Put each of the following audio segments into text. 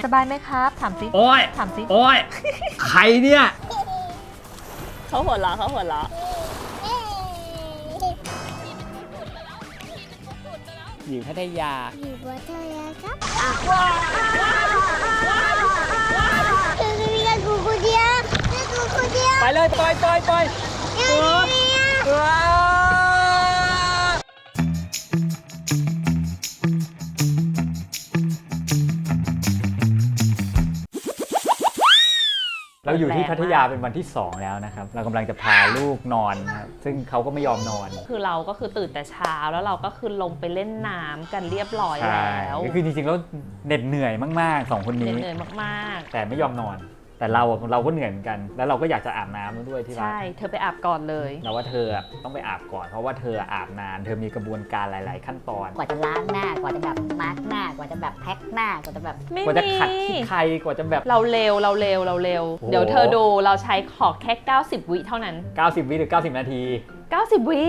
สบายไหมครับถามสิโอ้ยถามสิโอ้ยใครเนี่ยเขาหัวเราะเขาหัวเราะอยู่พัทยาอยู่บนเธอครับคือมีกันกูคนเดียวกูคนเดียวไปเลยปล่อย เราอยู่ที่พัทยาเป็นวันที่ 2 แล้วนะครับเรากำลังจะพาลูกนอนนะครับซึ่งเขาก็ไม่ยอมนอนคือเราก็คือตื่นแต่เช้าแล้วเราก็คือลงไปเล่นน้ำกันเรียบร้อยใช่แล้วก็คือจริงๆแล้วเหน็ดเหนื่อยมากๆ2 คนนี้เหนื่อยมากแต่ไม่ยอมนอน แต่เราก็เหนื่อยเหมือนกัน แล้วเราก็อยากจะอาบน้ำด้วยที่ๆรักใช่เธอไปอาบก่อนเลยเราว่าเธอต้องไปอาบก่อนเพราะว่าเธออาบนานเธอมีกระบวนการหลาย ๆ ขั้นตอนกว่าจะล้างหน้ากว่าจะแบบมาร์กหน้ากว่าจะแบบแพ็คหน้ากว่าจะแบบไม่กว่าจะมีขัดที่ใครกว่าจะแบบเราเร็วโอ้โหเดี๋ยวเธอดูเราใช้ขอแค่90 วิเท่านั้น 90 วิหรือ 90 นาที 90 วิ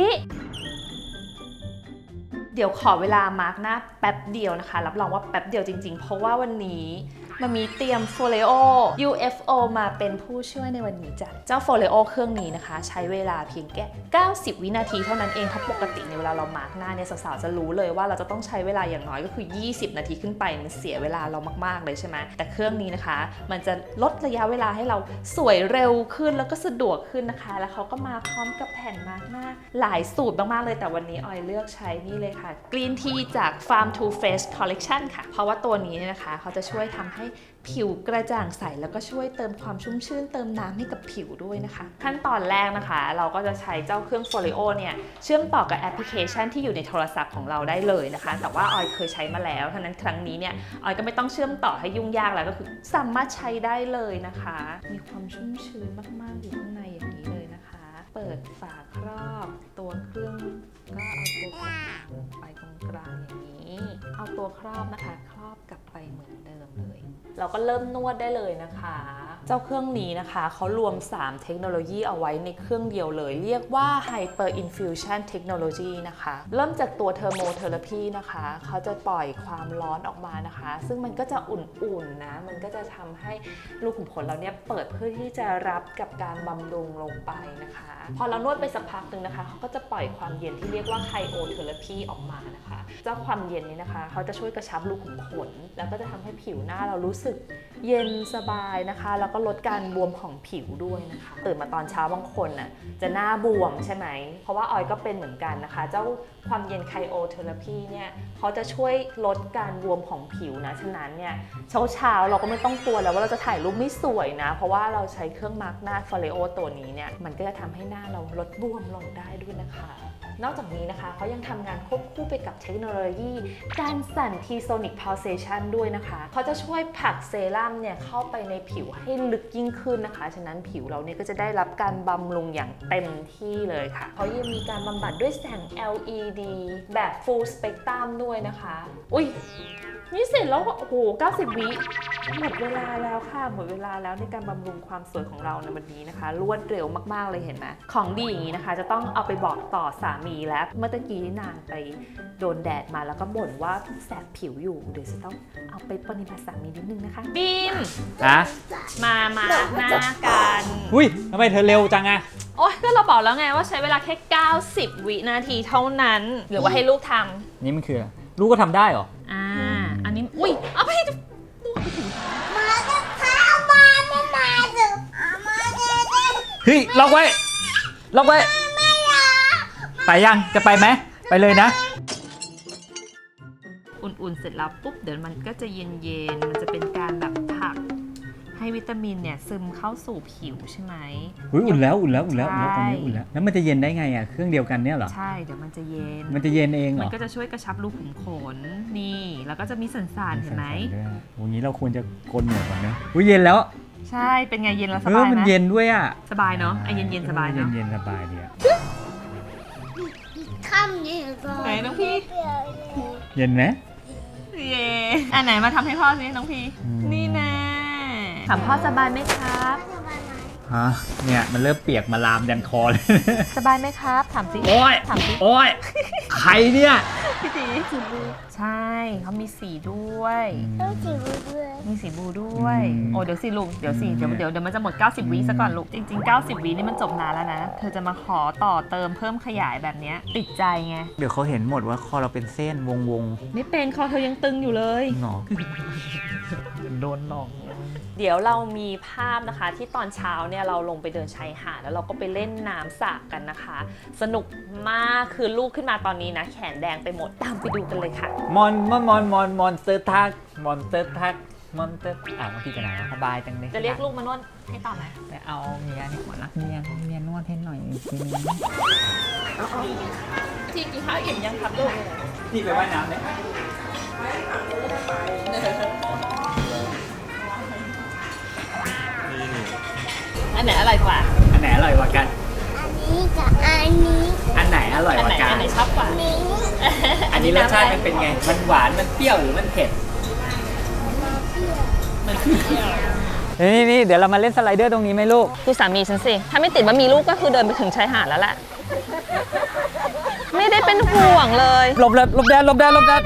เดี๋ยวขอเวลามาร์กหน้าแป๊บเดียวนะคะรับรองว่าแป๊บเดียวจริงๆ เพราะว่าวันนี้มันมีเตรียม Foleo UFO มาเป็นผู้ช่วยในวันนี้จ้ะเจ้า Foleo เครื่องนี้นะคะ ใช้เวลาเพียงแค่90 วินาทีเท่านั้นเองเพราะปกติในเวลาเรามาร์กหน้าเนี่ยสาวๆจะรู้เลยว่าเราจะต้องใช้เวลาอย่างน้อยก็คือ20 นาทีขึ้นไปมันเสียเวลาเรามากๆเลยใช่ไหมแต่เครื่องนี้นะคะ มันจะลดระยะเวลาให้เราสวยเร็วขึ้นแล้วก็สะดวกขึ้นนะคะ แล้วเขาก็มาพร้อมกับแผ่นมาร์กหน้าหลายสูตรมากๆเลยแต่วันนี้ออยเลือกใช้นี่เลยค่ะ Green Tea จาก Farm to Face Collection ค่ะเพราะว่าตัวนี้เนี่ยนะคะเขาจะช่วยทำให้ผิวกระจ่างใสแล้วก็ช่วยเติมความชุ่มชื่นเติมน้ำให้กับผิวด้วยนะคะ ขั้นตอนแรกนะคะ เราก็จะใช้เจ้าเครื่อง Foleo เนี่ยเชื่อมต่อกับแอปพลิเคชันที่อยู่ในโทรศัพท์ของเราได้เลยนะคะ แต่ว่าออยเคยใช้มาแล้วฉะนั้นครั้งนี้เนี่ยออยก็ไม่ต้องเชื่อมต่อให้ยุ่งยากแล้วก็คือสามารถใช้ได้เลยนะคะ มีความชุ่มชื้นมากๆอยู่ข้างในอย่างนี้เลยนะคะ เปิดฝาครอบตัวเครื่องก็เอาตัวกลางไปตรงกลางอย่างนี้ เอาตัวครอบนะคะครอบกลับไปเหมือนเดิมเลย เราก็เริ่มนวดได้เลยนะคะ เจ้าเครื่องนี้นะคะเขารวม 3 เทคโนโลยีเอาไว้ในเครื่องเดียวเลย เรียกว่า Hyper Infusion Technology นะคะ เริ่มจากตัว Thermotherapy นะคะเขาจะปล่อยความร้อนออกมานะคะ ซึ่งมันก็จะอุ่นๆนะ มันก็จะทำให้รูขุมขนเราเนี่ยเปิดเพื่อที่จะรับกับการบำรุงลงไปนะคะ พอเรานวดไปสักพักหนึ่งนะคะเขาก็จะปล่อยความเย็นที่เรียกว่า Cryotherapy ออกมานะคะ เจ้าความเย็นนี้นะคะเขาจะช่วยกระชับรูขุมขนแล้วก็จะทำให้ผิวหน้าเรารู้สึกเย็นสบายนะคะแล้วก็ลดการบวมของผิวด้วยนะคะตื่นมาตอนเช้าบางคนน่ะจะหน้าบวมใช่ไหมเพราะว่าออยก็เป็นเหมือนกันนะคะเจ้าความเย็นไคโอเทอราพีเนี่ยเขาจะช่วยลดการบวมของผิวนะฉะนั้นเนี่ยเช้าเราก็ไม่ต้องกลัวแล้วว่าเราจะถ่ายรูปไม่สวยนะเพราะว่าเราใช้เครื่องมาร์กหน้า Foleo ตัวนี้เนี่ยมันก็จะทำให้หน้าเราลดบวมลงได้ด้วยนะคะนอกจากนี้นะคะเขายังทำงานควบคู่ไปกับเทคโนโลยีการสั่น T-sonic pulsation ด้วยนะคะเขาจะช่วยผลักเซรั่มเนี่ยเข้าไปในผิวให้ลึกยิ่งขึ้นนะคะฉะนั้นผิวเราเนี่ยก็จะได้รับการบำรุงอย่างเต็มที่เลยค่ะเขายังมีการบำบัดด้วยแสง LED แบบ full spectrum ด้วยนะคะอุ้ยนี่เสร็จแล้วโอ้โห90 วิหมดเวลาแล้วค่ะหมดเวลาแล้วในการบำรุงความสวยของเราในวันนี้นะคะรวดเร็วมากๆเลยเห็นไหมของดีอย่างนี้นะคะจะต้องเอาไปบอกต่อสามีแล้วเมื่อตะกี้นางไปโดนแดดมาแล้วก็บ่นว่าแสบผิวอยู่เดี๋ยวจะต้องเอาไปปฏิบัติสามีนิดนึงนะคะบีมฮะมาหน้ากันอุ้ยทำไมเธอเร็วจังอะโอ๊ยก็เราบอกแล้วไงว่าใช้เวลาแค่90 วินาทีเท่านั้นหรือว่าให้ลูกทำนี่มันคืออะไรลูกก็ทำได้เหรออันนี้อุ้ยเอาไปมาจะเข้ามาไม่มาถึงมาจะได้เฮ้ยล็อกไว้ไปยังจะไปไหมไปเลยนะอุ่นๆเสร็จแล้วปุ๊บเดี๋ยวมันก็จะเย็นๆมันจะเป็นการแบบผลักให้วิตามินเนี่ยซึมเข้าสู่ผิวใช่ไหมอุ่นแล้วตอนนี้ใช่อุ่นแล้วแล้วมันจะเย็นได้ไงอ่ะเครื่องเดียวกันเนี่ยเหรอใช่เดี๋ยวมันจะเย็นมันจะเย็นเองเหรมัอนก็จะช่วยกระชับรูขุมขนนี่แล้วก็จะมีสันๆเห็นไหมวันนี้เราควรจะโกนหนวดก่อนนะอุ้ยเย็นแล้วใช่เป็นไงเย็นแล้วสเอบาอย มันไหมเย็นด้วยอ่ะสบายเนาะไอเย็นๆสบายเนาะเย็นสบายดีอ่ะข้ามเนี่ยก่อนไหนน้องพี่เย็นไหมเย่อันไหนมาทำให้พ่อสิน้องพี่อืมนี่แน่ถามพ่อสบายไหมครับฮะเนี่ยมันเริ่มเปียกมาลามยันคอเลยสบายไหมครับถามสิโอ้ยถามสิโอ้ยใครเนี่ยพี่ตีใช่เขามีสีด้วยต้องจิ๋วด้วยมีสีบลูด้วยอืมโอ้เดี๋ยวสิลูกเดี๋ยวมันจะหมด 90 วิซะก่อนลูกจริง ๆ 90 วินี่มันจบนานแล้วนะเธอจะมาขอต่อเติมเพิ่มขยายแบบเนี้ยติดใจไงเดี๋ยวเขาเห็นหมดว่าคอเราเป็นเส้นวงไม่เป็นคอเธอยังตึงอยู่เลยๆหนอโดนหลอกเดี๋ยวเรามีภาพนะคะที่ตอนเช้าเนี่ยเราลงไปเดินชายหาดแล้วเราก็ไปเล่นน้ำสระกันนะคะ สนุกมากคือลูกขึ้นมาตอนนี้นะแขนแดงไปหมดตามไปดูกันเลยค่ะมอนสเตอร์ทักมอนสเตอร์ทักมอนสเตอร์น้องพี่จะไหนสบายจังเลยจะเรียกลูกมานวดให้ต่อไหมไปเอาเมียนี่ก่อนนะเมียนวดให้หน่อยทีนึงทีกินข้าวอิ่มยังครับลูกนี่ไปว่ายน้ำเลยอันไหนอร่อยกว่าอันไหนอร่อยกว่ากันอันนี้กับอันนี้อันไหนอร่อยอันกไหนว่ากันอันไหนชอบกว่านี้อันนี้รสชาติมันเป็นไง มันหวาน มันเปรี้ยวหรือมันเผ็ด นี่เดี๋ยวเรามาเล่นสไลเดอร์ตรงนี้ไหมลูกดูสามีฉันสิ ถ้าไม่ติดว่ามีลูกก็คือเดินไปถึงชายหาดแล้วแหละ ไม่ได้เป็นห่วงเลยหลบแดดรถ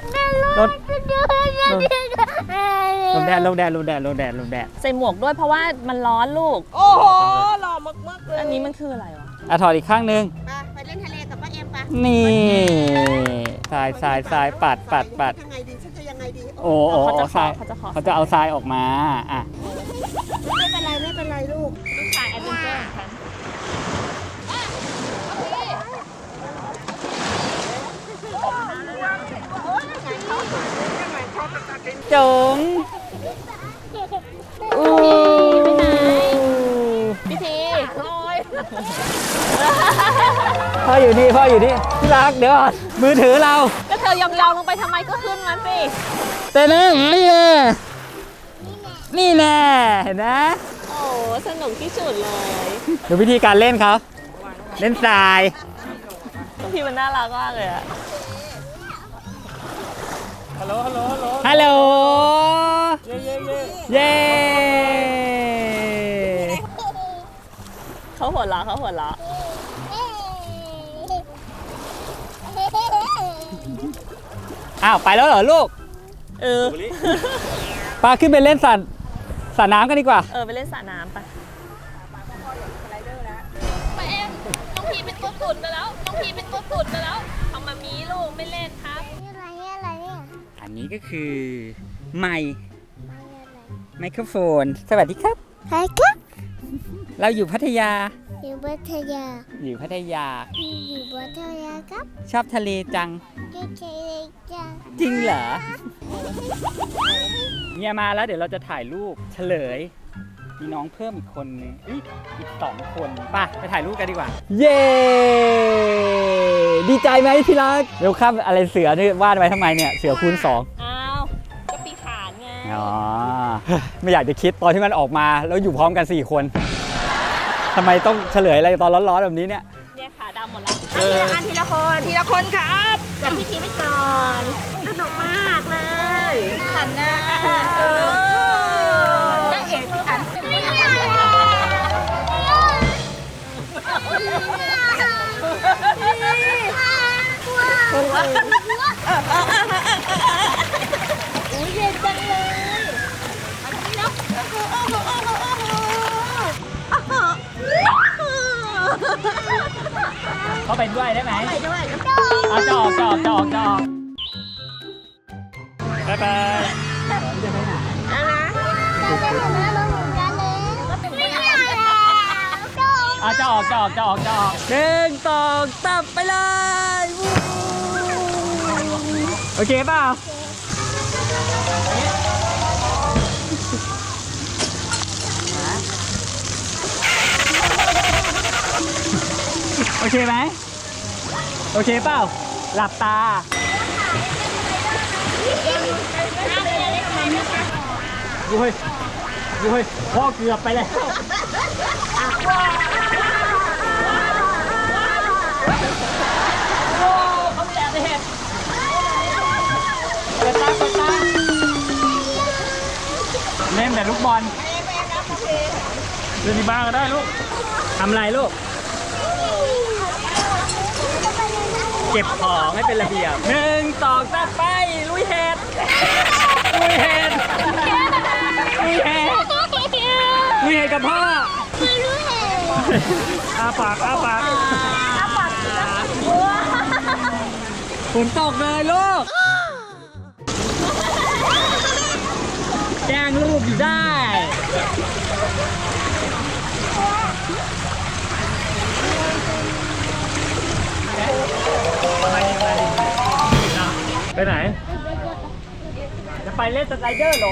ใส่หมวกด้วยเพราะว่ามันร้อนลูกโอ้โหหล่อมากๆเลยอันนี้มันคืออะไรวะถอดอีกข้างนึงไปเล่นทะเลกับป้าเอ็มปะนี่ทรายปัดยังไงดีฉันจะยังไงดีโอ้ทรายเขาจะเอาทรายออกมา อ่ะไม่เป็นไรลูกลูกชายแอดเวนเจอร์ของฉันจงพี่ทีพ่ออยู่นี่ที่รักเดี๋ยวก่อนมือถือเราก็เธอยองๆลงไปทำไมก็ขึ้นมาสิเต้นนี่แน่เห็นไหมโอ้สนุกที่สุดเลยดูวิธีการเล่นเขาเล่นทรายพี่มันน่ารักมากเลยอะฮัลโหลเย้เขาหัวเราะอ้าวไปแล้วเหรอลูกเออปาขึ้นไปเล่นสระน้ำกันดีกว่าไปเล่นสระน้ำไปไปเอ็มน้องพีเป็นตัวตุ่นไปแล้วทำมามีลูกไม่เล่นครับอะไรเนี่ยอันนี้ก็คือไมโครโฟน สวัสดีครับใครครับเราอยู่พัทยาอยู่พัทยาอยู่พัทยาอยู่พัทยาครับชอบทะเลจังอยู่ทะเลจ้าจริงเหรอเนี่ยมาแล้วเดี๋ยวเราจะถ่ายรูปเฉลย มีน้องเพิ่มอีกคนนึงอีก2 คนป่ะไปถ่ายรูปกันดีกว่า เย้ ดีใจไหมที่รักเดี๋ยวข้ามอะไรเสือนี่วาดไว้ทำไมเนี่ยเสือคูณ 2 อ้าวก็ปีขานไงอ๋อ ไม่อยากจะคิดตอนที่มันออกมาแล้วอยู่พร้อมกัน 4 คนทำไมต้องเฉลยอะไรตอนร้อนๆแบบนี้เนี่ยเนี่ยขาดำหมดแล้วทีละคนครับจับพี่ทีไปก่อนสนุกมากเลยขันนะนั่งเอกขันเขาไปด้วยได้ไหมไปด้วยเอาจอกบ๊ายบาย เอาจะออก1 2 3ไปเลยโอเคเปล่าโอเคไหมโอเคเปล่าหลับตายุ้ยพ่อเกือบไปแล้วเขาแตะในเห็ดเปิดตาเล่นแต่ลูกบอลเล่นที่บ้านก็ได้ลูกทำอะไรลูกเก็บของให้เป็นระเบียบ1 2 3ไปลุยเห็ดากฝนตกเลยลูกแกล้งลูกอยู่ได้ไปไหนจะไปเล่นสไลเดอร์เหรอ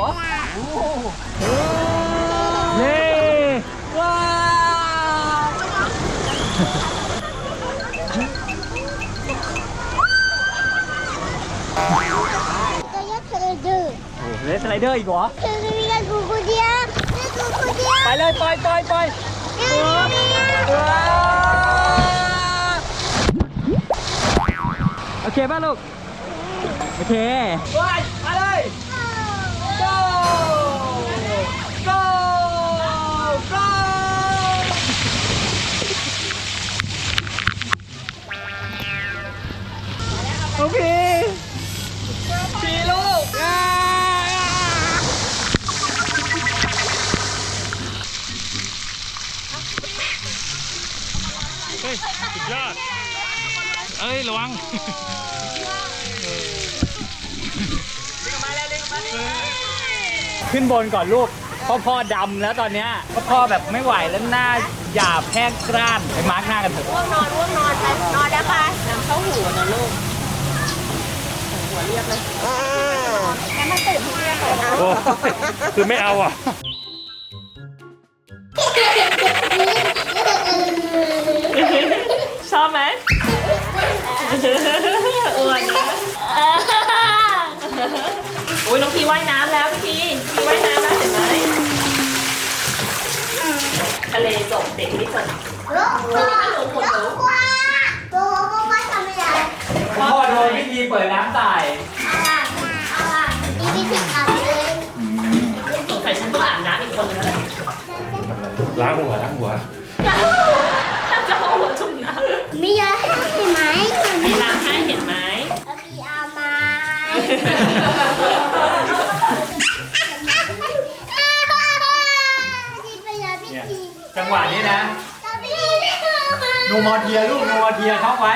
เย้ว้าวเล่นสไลเดอร์อีกเหรอไปเลยปล่อยโอเคป่ะลูกโอเคไปเลย go go go โอเคสีลูกเฮ้ยสุดยอดเอ้ยระวังขึ้นบนก่อนลูกพ่อดำแล้วตอนเนี้ยพ่อแบบไม่ไหวแล้วหน้าหยาบแห้งกร้านไปมาร์กหน้ากันเถอะง่วงนอนไปนอนได้ปะน้ำเข้าหูนะลูกหัวเรียกเลยงั้นมาตื่นที่เรียกเลยนะโอ้คือไม่เอาอ่ะชอบไหมอ้วนนะโอ้ยน้องพีว่ายน้ำแล้วพี่ว่ายน้ำแล้วเห็นไหมทะเลจบเด็กไม่จบพ่อโดนวิธีเปิดน้ำใส่สงสัยฉันต้องอาบน้ำอีกคนนึงแล้วล้างหัวจะเอาหัวจุ่มน้ำมีอะไรให้ไหมมีล้างให้เห็นไหมพี่เอามาเนี่ยจังหวะนี้นะโนมอเทียลูกโนมอเทียเข้าไว้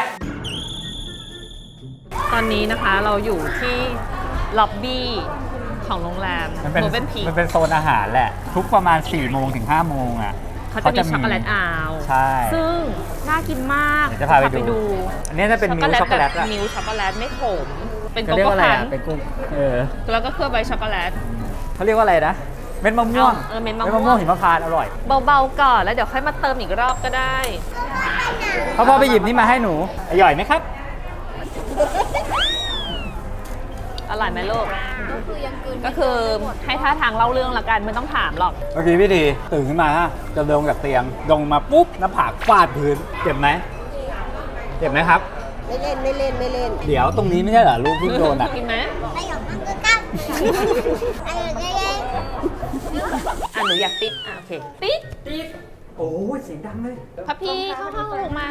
ตอนนี้นะคะเราอยู่ที่ล็อบบี้ของโรงแรมมันเป็นโมเบิลพีคมันเป็นโซนอาหารแหละ ทุกประมาณ4 โมงถึง 5 โมงอ่ะเขาจะมีช็อกโกแลตอาวใช่ซึ่งน่ากินมากเดี๋ยวจะพาไปดู อันนี้จะเป็นมิลช็อกโกแลตแบบอะมิลช็อกโกแลตไม่ขม เป็นเขาโกเรียกโก้ว่าอะไรคันอ่ะเป็นกุ้งแล้วก็เคลือบใบช็อกโกแลตเขาเรียกว่าอะไรนะเม็ดมะม่วงเม็ดมะม่วงหิมพานต์อร่อยเบาๆก่อนแล้วเดี๋ยวค่อยมาเติมอีกรอบก็ได้พ่อไปหยิบนี่มาให้หนูอร่อยไหมครับอร่อยไหมลูกก็คือให้ท่าทางเล่าเรื่องละกันไม่ต้องถามหรอกเมื่อกี้พี่ดีตื่นขึ้นมาฮะจะลงจากเตียงลงมาปุ๊บหน้าผากฟาดพื้นเจ็บไหมเจ็บไหมครับไม่เล่นเดี๋ยวตรงนี้ไม่ใช่เหรอลูกเพิ่งโดนอ่ะกินไหมไปหยอกมันก็ตั้งไปหยอกเย้หนูอยากติดโอเคติดโอ้ยเสียงดังเลยพับพี่เข้าห้องลูกมา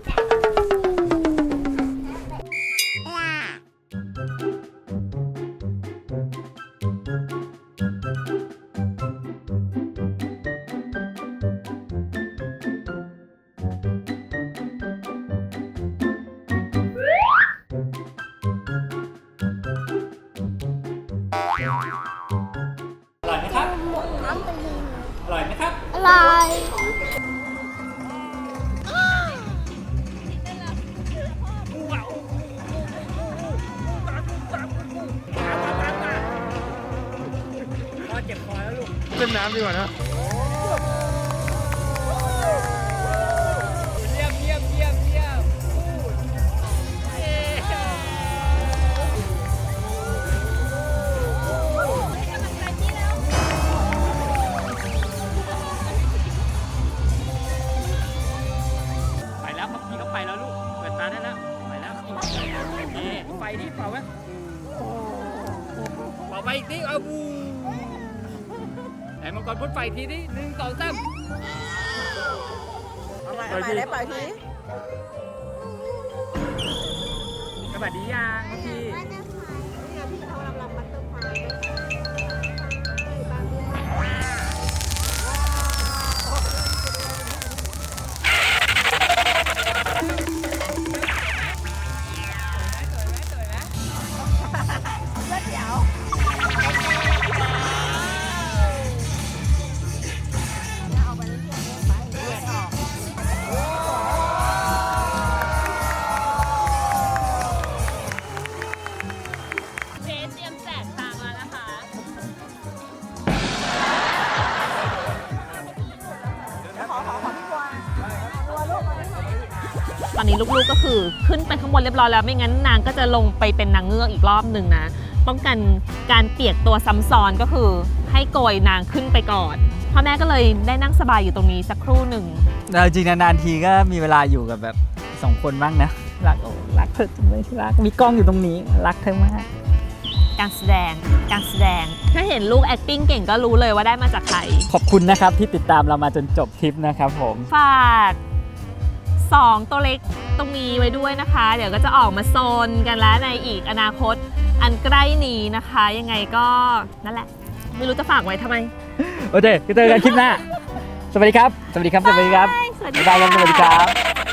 อร่อยไหมครับอร่อยไหมครับอร่อยพ่อเจ็บคอแล้วลูกเล่นน้ำดีกว่านะเยี่ยมไปแล้วพับพี่ก็ไปแล้วลูกเปิดตาได้แล้วไปแล้วนี่ไฟนี่เป่าไหมเป่าไปอีกทีเอาบูไหนมังกรพ่นไฟทีนี้1 2 3 เอาไปได้ปล่อยทีสวัสดียังพับพี่อนนี้ลูกๆก็คือขึ้นไปข้างบนเรียบร้อยแล้วไม่งั้นนางก็จะลงไปเป็นนางเงือกอีกรอบหนึ่งนะป้องกันการเปียกตัวซ้ำซ้อนก็คือให้โกยนางขึ้นไปก่อนพ่อแม่ก็เลยได้นั่งสบายอยู่ตรงนี้สักครู่หนึ่งเราจริงนานๆทีก็มีเวลาอยู่กับแบบ2 คนบ้างนะรักเธอจังเลยที่รักมีกล้องอยู่ตรงนี้รักเธอมากการแสดงถ้าเห็นลูก acting เก่งก็รู้เลยว่าได้มาจากใครขอบคุณนะครับที่ติดตามเรามาจนจบทริปนะครับผมฝาก2ตัวเล็กตรงนี้ไว้ด้วยนะคะ เดี๋ยวก็จะออกมาโซนกันแล้วในอีกอนาคตอันใกล้นี้นะคะ ยังไงก็นั่นแหละ ไม่รู้จะฝากไว้ทำไมโอเคเจอกันคลิปหน้า สวัสดีครับ สวัสดีครับ สวัสดีครับสวัสดีบ๊ายบายครับสวัสดีครับ